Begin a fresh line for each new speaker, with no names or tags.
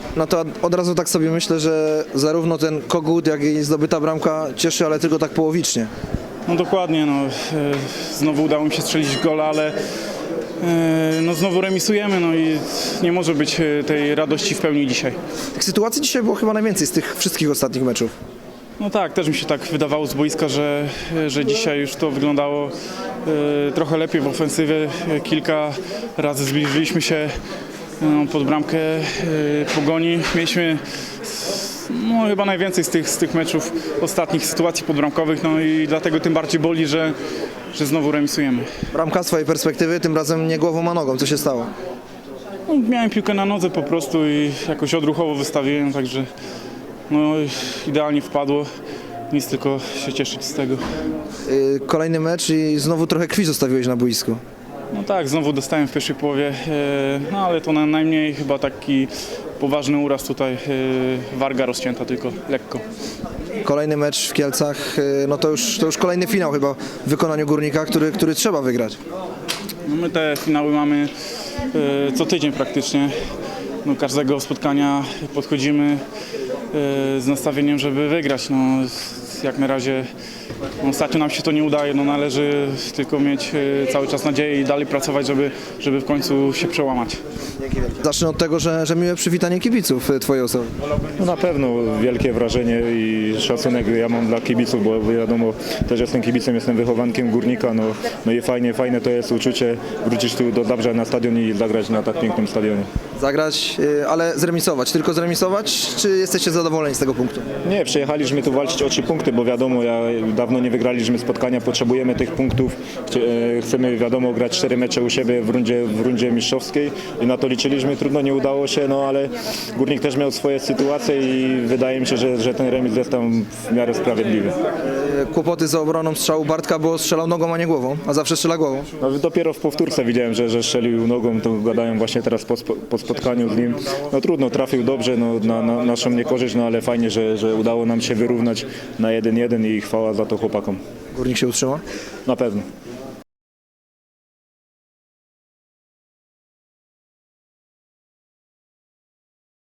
No to od razu tak sobie myślę, że zarówno ten Kogut, jak i zdobyta bramka cieszy, ale tylko tak połowicznie.
No dokładnie, znowu udało mi się strzelić gola, ale znowu remisujemy, i nie może być tej radości w pełni dzisiaj.
Tych sytuacji dzisiaj było chyba najwięcej z tych wszystkich ostatnich meczów.
No tak, też mi się tak wydawało z boiska, że dzisiaj już to wyglądało trochę lepiej w ofensywie. Kilka razy zbliżyliśmy się pod bramkę Pogoni. Mieliśmy chyba najwięcej z tych meczów ostatnich sytuacji podbramkowych, i dlatego tym bardziej boli, że znowu remisujemy.
Bramka z twojej perspektywy, tym razem nie głową, a nogą. Co się stało?
Miałem piłkę na nodze po prostu i jakoś odruchowo wystawiłem, także idealnie wpadło. Nic, tylko się cieszyć z tego.
Kolejny mecz i znowu trochę krwi zostawiłeś na boisku.
No tak, znowu dostałem w pierwszej połowie, ale to najmniej chyba taki poważny uraz tutaj, warga rozcięta tylko lekko.
Kolejny mecz w Kielcach, to już kolejny finał chyba w wykonaniu Górnika, który trzeba wygrać.
My te finały mamy co tydzień praktycznie. Każdego spotkania podchodzimy z nastawieniem, żeby wygrać. Jak na razie ostatnio nam się to nie udaje, należy tylko mieć cały czas nadzieję i dalej pracować, żeby w końcu się przełamać.
Zacznę od tego, że miłe przywitanie kibiców twojej osoby.
No na pewno wielkie wrażenie i szacunek ja mam dla kibiców, bo wiadomo, też jestem kibicem, jestem wychowankiem Górnika, i fajne to jest uczucie wrócić tu do Zabrza na stadion i zagrać na tak pięknym stadionie.
Zagrać, ale zremisować. Tylko zremisować, czy jesteście zadowoleni z tego punktu?
Nie, przyjechaliśmy tu walczyć o 3 punkty, bo wiadomo, dawno nie wygraliśmy spotkania, potrzebujemy tych punktów. Chcemy, wiadomo, grać 4 mecze u siebie w rundzie mistrzowskiej i na to liczyliśmy. Trudno, nie udało się, ale Górnik też miał swoje sytuacje i wydaje mi się, że ten remis jest tam w miarę sprawiedliwy.
Kłopoty z obroną strzału Bartka, bo strzelał nogą, a nie głową, a zawsze strzela głową.
Dopiero w powtórce widziałem, że strzelił nogą, to gadałem właśnie teraz po spotkaniu z nim. Trudno, trafił dobrze, na naszą niekorzyść, ale fajnie, że udało nam się wyrównać na 1-1 i chwała za to chłopakom.
Górnik się utrzyma?
Na pewno.